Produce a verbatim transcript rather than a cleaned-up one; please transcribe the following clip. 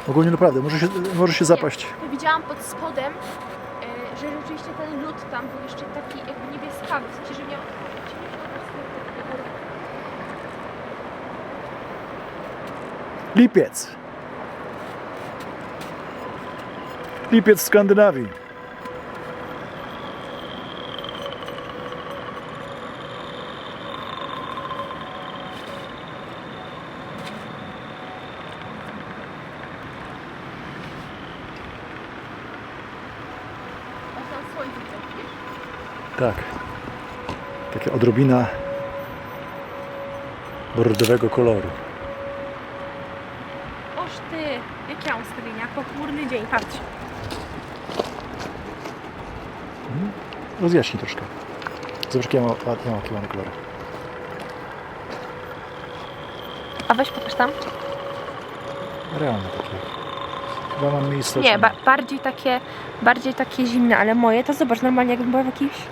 Ogólnie naprawdę, może się, może się zapaść. Ja widziałam pod spodem, e, że rzeczywiście ten lód tam był jeszcze taki jakby niebieskawy, w sensie, że miał... Lipiec. Lipiec w Skandynawii. Aż tam słońce widzisz? Tak. Taka odrobina bordowego koloru. Oż ty, jakie ja mam ustawienia? Pochmurny dzień, patrz. Rozjaśnij troszkę. Zobacz, jakie ja mam, ja mam, jakie mam kolory. A weź pokaż tam. Realne takie. Chyba mam miejsce. Nie, ba bardziej takie, bardziej takie zimne, ale moje to zobacz, normalnie jakbym była w jakiejś